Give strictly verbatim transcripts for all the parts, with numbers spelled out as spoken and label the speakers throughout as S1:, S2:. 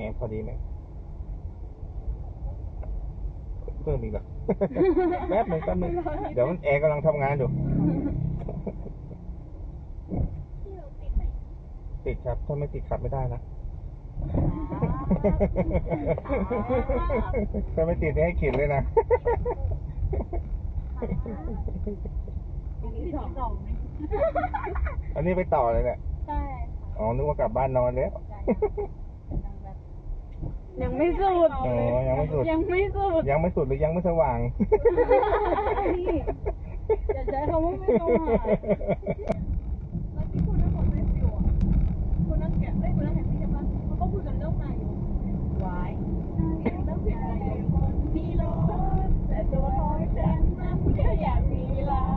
S1: พอดีไหมเพิ่มอีกเหรอ แป๊บหนึ่งแป๊บหนึ่งเดี๋ยวมันแอร์กำลังทำงานอยู่ติดครับถ้าไม่ติดขับไม่ได้นะถ้าไม่ติดนี่ให้ขีดเลยนะอันนี้ไปต่อเลยเนี่ยใช่อ๋อนึกว่ากลับบ้านนอนแล้ว
S2: ยังไม่สุด
S1: อ๋อยังไม่สุด
S2: ยังไม่สุด
S1: ยังไม่สุดหรือยังไม่สว่าง
S2: อย่าใช้คำว่าไม่สว่างแล้วที่คุณนักบอลไม่ฟิวอ่ะคุณนักแกะไม่คุณนักแกะที่ใช่ปะเขาก็พูดกันเรื่องนายกวายเรื่องเสียงนายกมีรถแต่ตัวน้อยฉันนั้นแค่อยากมีลา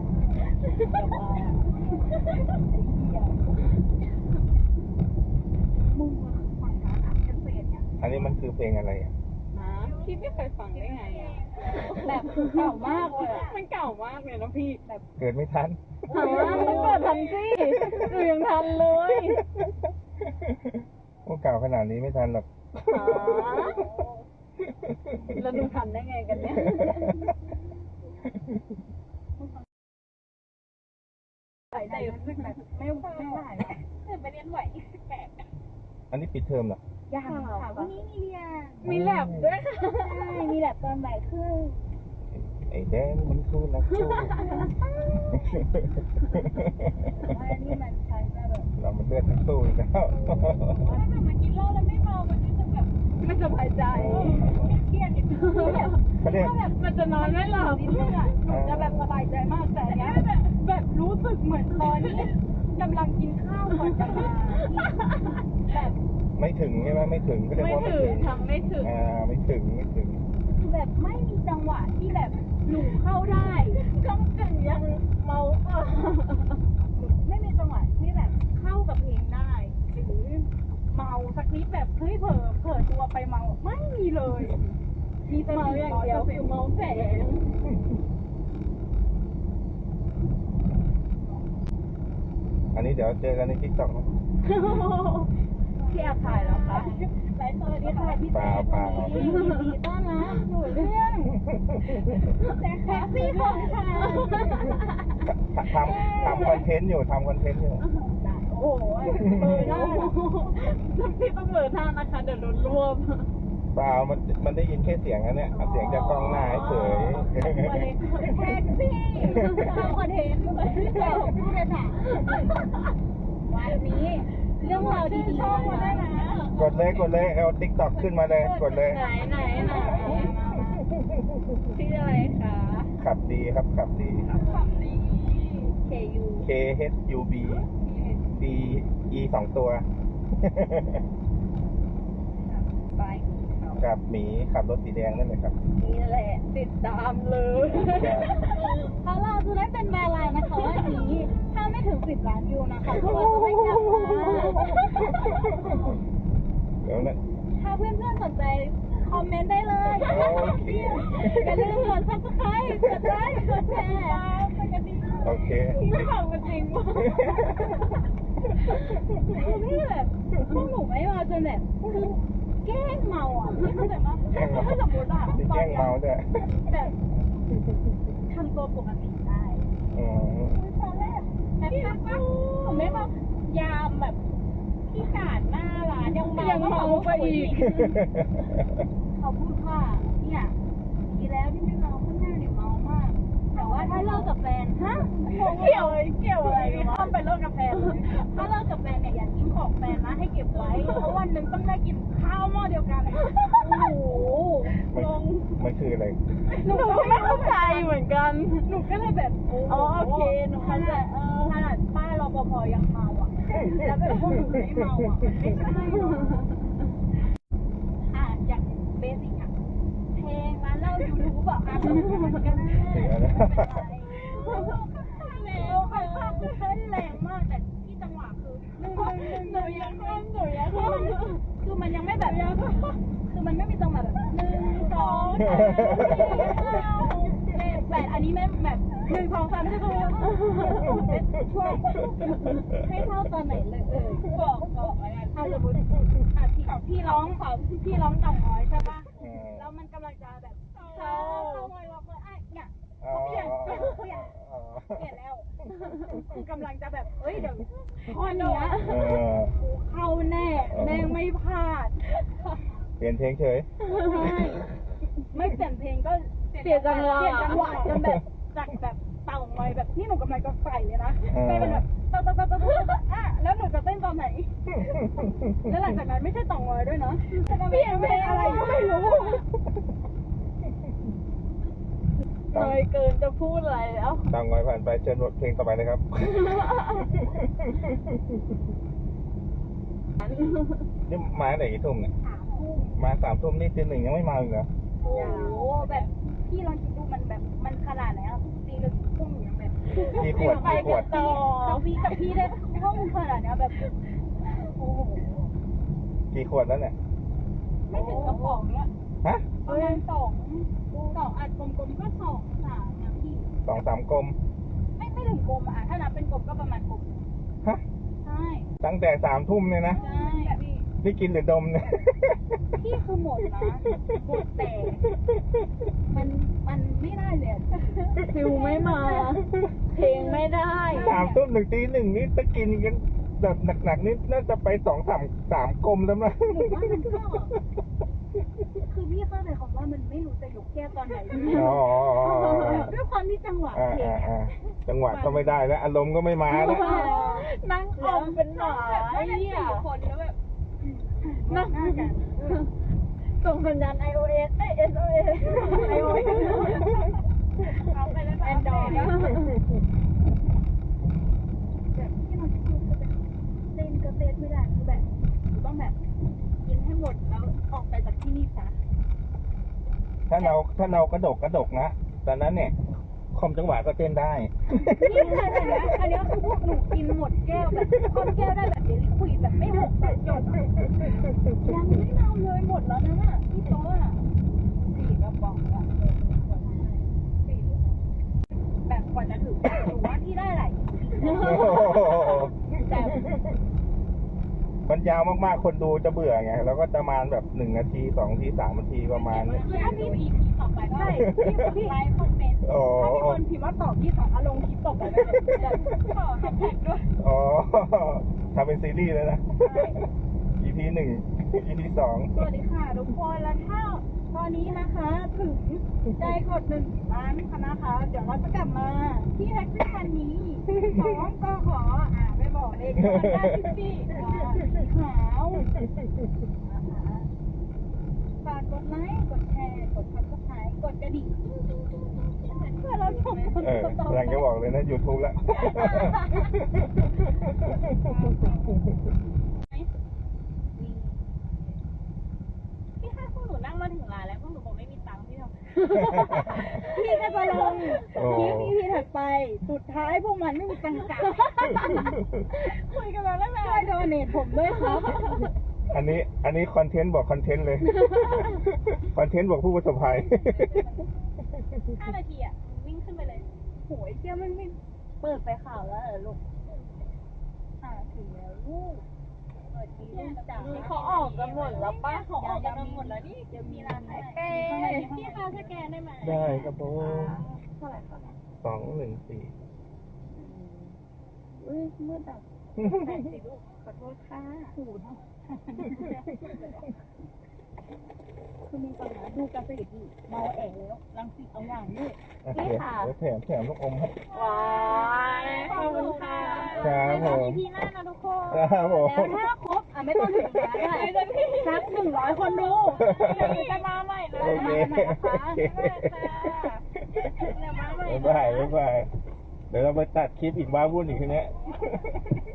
S1: อันนี้มันคือเพลงอะไรอ่ะ
S2: พี่ไม่เคยฟังได้ไงอ่ะแบบเก่ามากเลยอ่ะมันเก่ามากเลยนะพี่แบบ
S1: เกิดไม่ทัน
S2: ถามว่ามันเกิดทันสิหนูยังทันเลย
S1: โอ้เก่าขนาดนี้ไม่ทันหรอก
S2: แล้วดูทันได้ไงกันเนี่ยแต่รู้สึกแบบไม่ไม่ไหวแต่ไปเรียนไหวแปลก
S1: อันนี้ปิดเทอมเหรอ
S2: ยังค่ะวันนี้มีเรียนมีแลบด้วยค่ะใช่มีแลบตอนบ่ายครึ่ง
S1: ไอ้แดงมันคือนักสู้
S2: ว่านี่มันใช้แบบ
S1: เรามันเลือดนักสู้แล้ว
S2: ถ้าแบบมากินเหล้าแล้วไม่เมามันจะแบบไม่สบายใจเครียดนิดนึงถ้าแบบมันจะนอนไม่หลับนิดนึงอ่ะจะแบบสบายใจมากแต่เนี้ยแบบรู้สึกเหมือนตอนนี้กำลังกินข้าวก่อนจะมาแบบ
S1: ไม่ถึงใช่ไหมไม่ถึงก็เรียกว่าไม่ถึง
S2: ทำไม่ถึง
S1: อ่าไม่ถึงไม่ถึง
S2: คือแบบไม่มีจังหวะที่แบบหนูเข้าได้ก็เป็นยังเมาอ่ะไม่มีจังหวะที่แบบเข้ากับเพลงได้หรือเมาสักนิดแบบเฮ้ยเผลอเผลอตัวไปเมาไม่มีเลยมีแต่เมาอย่างเดียวคือเมาแฝง
S1: อันนี้เดี๋ยวเจอกันในทิกตอกนะ
S2: พี่อาถ่ายแล้วคะไลฟ์สดที่ถ่ายพี่แจ๊ควันนี้ยินดีต้อนรับอยู่เรื่องแท็กซี่ของค่ะ
S1: ทำทำคอนเทนต์อยู่ทำคอนเทนต์อยู่
S2: โอ้โหเบอร์หน้าพี่ต้องเบอร์หน้านะคะเดี๋ยวโดนรวบ
S1: เปล่ามันมันได้ยินแค่เสียงนะเนี่ยเสียงจากกล้องหน้าเฉย
S2: แท็กซี่ทำคอนเทนต์เราผู้โดยสารวันนี้เรื่องราวดีๆชอบมาได้นะ
S1: กดเลยกดเลยเอาติ๊กต็อกขึ้นมาเลยกดเลย
S2: ไหนไหนไหนชื่ออะไรคะ
S1: ขับดีครับขับดี
S2: ขับดี K U
S1: K H U B D E สองตัว
S2: ไป
S1: กับหมีขับรถสีแดงนั่นเลยครับ
S2: นี่แหละติดตามเลยถ้าเราจะได้เป็นแบรนด์ไลน์นะคะวันนี้ถ้าไม่ถึงสิบล้านวิวนะคะพวกเราจะไม่กลับมา
S1: เดี๋ยวนะ
S2: ถ้าเพื่อนๆสนใจคอมเมนต์ได้เลยอย่าลืมกด ซับสไครบ์ กดไลค์กดแชร์
S1: โอเค
S2: ไม่ทำกันจริงว่ะนี่แบบพวกหนูไม่มาจนแบบคือแกล้งเมาอ่ะไม่เข้าใจมั้ยถ้าสมมติอ่ะ
S1: แกล้งเมาด้วย
S2: แบบทำตัวปกติได้
S1: อ๋อ
S2: ตอนแรกแบบผมไม่มายามแบบที่กาดหน้าร้านยังเมายังเมาไปอีกเขาพูดว่าเนี่ยดีแล้วที่ไม่เมาข้างหน้าเนี่ยเมามากแต่ว่าถ้าเลิกกับแฟนฮะเกี่ยวเกี่ยวอะไรถ้าไปเลิกกับแฟนถ้าเลิกกับแฟนเนี่ยอย่าทิ้งของแฟนนะให้เก็บไว้เพราะวันหนึ่งต้องได้กินข้าวหม้อเดียวกันโอ้โหลง
S1: มันคืออะไร
S2: หนูก็ไม่เข้าใจเหมือนกันหนูก็เลยแบบอ๋อโอเคหนูเข้าใจขนาดป้ารปภยังเมาอ่ะแล้วแบบพวกหนูไม่เมาอ่ะมันไม่ใช่อ่ะอย่างเบสิกอ่ะเพลงร้านเหล้ายูทูบอ่ะมันก็ได้แล้วค่ะเต้นแรงมากแต่ที่จังหวะคือหนึ่งหนึ่งยังหนึ่งยังคือมันยังไม่แบบคือมันไม่มีจังหวะแบบหนึ่งสองสามสี่ห้าหกเจ็ดแปดอันนี้ไม่แบบหนึ่งสองสามสี่ห้าหกเจ็ดช่วยให้เท่าตอนไหนเลยเออบอกบอกอะไรถ้าสมมติอาทิตย์พี่ร้องเขาพี่ร้องต่องน้อยใช่ปะ
S1: อืม
S2: แล้วมันกำลังจะแบบเข้าเข้าไว้ล็อกเลยอ่ะเนี่ย
S1: อ๋อ
S2: เปลี่ยนเปลี่ยนเปลี่ยน
S1: อ๋อ
S2: เปลี่ยนแล้วคือกำลังจะแบบเอ้ยเดี๋ยวข้อเนี้ย
S1: เออ
S2: กูเข้าแน่แม่งไม่พลาด
S1: เปลี่ยนเพลงเฉย
S2: ใช่ไม่เปลี่ยนเพลงก็เปลี่ยนจังหวะเปลี่ยนจังหวะจนแบบจากแบบเต่างอยแบบที่หนูกำลังจะใส่เลยนะ
S1: เออ
S2: ไม่เป็นแบบเต่าเต่าเต่าเต่าเต่าเต่าอ่ะแล้วหนูจะเต้นตอนไหน แล้วหลังจากนั้นไม่ใช่เต่างอยด้วยนะเปลี่ยนเพลงอะไรก็ไม่รู้น้อยเกินจะพูดอะไรแล้ว
S1: ตามงอยผ่านไปเชิญบทเพลงต่อไปเลยครับ นี่มาไหนกี่ทุ่มเนี่ย
S2: สามทุ่ม
S1: มาสามทุ่มนี่ตีหนึ่งยังไม่มาอีกเหรอ
S2: โอ้โหแบบพี่ลองคิดดูมันแบบมันขนาดไหนอะตีเลยพุ่งอย่างแบบ
S1: กี่ขวดกี่ขวด
S2: ต่อพี่กับพี่ได้ห้องขนาดเนี้ยแบบโอ้โห
S1: กี่ขวดแล้วเนี่ย
S2: ไม่ถึงกระป๋องเนี้ย
S1: ฮะ
S2: ประมาณสองสองอัดกลมๆก็สองสามนะพี่
S1: สองสามกลม
S2: ไม่ไม่ถึงกลมอะถ้านับเป็นกลมก็ประมาณกลม
S1: ฮะ
S2: ใช่
S1: ตั้งแต่สามทุ่มเนี่ยนะ
S2: ใช่พี่
S1: นี่กินหรือดมเนี่ย
S2: พี่คือหมดนะหมดแต่มันมันไม่ได้เลยอะฟิวไม่มา เพลงไม่ได้
S1: สามทุ่มถึงตีหนึ่งนี่จะกินกันแบบหนักๆนี่น่าจะไปสองสามสามกลมแล้วนะ
S2: หนูว่ามันก็คือพี่เข้าใจคำว่ามันไม่รู้จะยกแก้วตอนไหน
S1: อ๋อ
S2: ด้วยความที่จังหวะ
S1: อ่า
S2: เพลง
S1: อ่าอ่าจังหวะก็ไม่ได้แล้วอารมณ์ก็ไม่มาแล้ว
S2: นั่งอมเป็นหมาไอ้เนี่ยคนแล้วแบบนั่งหน้ากันส่งสัญญาณ ไอ โอ เอส เอ้ย เอส โอ เอส ไอ โอ เอส เอาไปแล้วแอนดรอยแบบที่มันคือแบบเต้นก็เต้นไม่ได้คือแบบต้องแบบกินให้หมดแล้วออกไปจากที่นี่ซะ
S1: ถ้าเราถ้าเรากระดกกระดกนะตอนนั้นเนี่ยคอมจังหวะก็เต้นได้
S2: นี่ขนาดนี้อันนี้คือพวกหนูกินหมดแก้วแบบคอนแก้วได้แบบเดลิคุยแบบไม่หกแบบจบอะยังไม่เมาเลยหมดแล้วนะน่ะที่โต๊ะอะสี่กระป๋องอะสี่แบบกว่าจะถึงหนูว่าที่ได้หลายแต่
S1: มันยาวมากๆคนดูจะเบื่อไงแล้วก็จะมาแบบหนึ่งนาทีสองนาทีสามนาทีประมาณเนี่ย
S2: คือถ้ามี อี พี ต่อไปก็พี่ไลฟ์คอมเมนต์
S1: อ๋อ
S2: ถ้ามีคนพิมพ์ว่าตอบพี่สองอารมณ์คลิปต่อไปได้เลยจะขอแฮชแท็กด้วย
S1: อ๋อทำเป็นซีรีส์เลยนะ อี พี หนึ่ง อี พี สอง
S2: สวัสดีค่ะทุกคนแล้วถ้าตอนนี้นะคะถึงใจกดหนึ่งล้านค่ะนะคะ เดี๋ยวเราจะกลับมาที่แท็กซี่คันนี้สองก็ขออ่าไม่บอกเลยได้ที่สี่อ่าสีขาวนะคะฝากกดไลค์กดแชร์กดซับสไครต์กดกระดิ่งเพื่อเราส่งคน
S1: เออ
S2: ต่อไป
S1: กำลังจะบอกเลยนะ YouTube แล้ว
S2: พี่ถ้าพวกหนูนั่งมาถึงร้านแล้วพวกหนูคงไม่มีตังค์พี่ทำ พี่ก็จะลงคลิป อี พี ถัดไป สุดท้ายพวกมันไม่มีตังค์จ่ายคุยกันมาแล้วนะช่วยโดเนทผมด้วยครับ
S1: อันนี้อันนี้คอนเทนต์บอกคอนเทนต์เลย คอนเทนต์บอกผู้ประสบภัย
S2: ห้านาทีอ่ะวิ่งขึ้นไปเลยโหยเที่ยวมันไม่เปิดไปข่าวแล้วเหรอลูกอ่าถึงแล้วลูกสวัสดีลูกจ๋าเขาออกกันหมดแล้วป้าเขาออกกันหมดแล้วนี่จะมีร้านไหนเป้พี่คะสแกนได้ไหม
S1: ได้ครับผม
S2: เท่าไหร่คะ
S1: สองหนึ่งสี่
S2: อุ้ยมืดอ่ะแปดสิบลูกขอโทษค่ะหูเนาะคือมีก่อนนะดูกาแฟดีเมาแอ๋แล้วรังสิตเอาอย่างด้วย
S1: โอเคเดี๋ยวแถมแถมลูกอมครับ
S2: ว้ายขอบคุณค่ะ
S1: ครับผม
S2: อีพีหน้านะทุกคน
S1: ครับผม
S2: แล้วถ้าครบอ่ะไม่ต้องถึงร้านได้สักหนึ่งร้อยคนดูเดี๋ยวจะมาใหม่นะ
S1: โอเค
S2: มาใหม่นะคะเดี๋ยวมาใหม่
S1: บ๊ายบายบ๊ายบายเดี๋ยวเราไปตัดคลิปอีกบ้าวุ่นอีกทีเนี้ย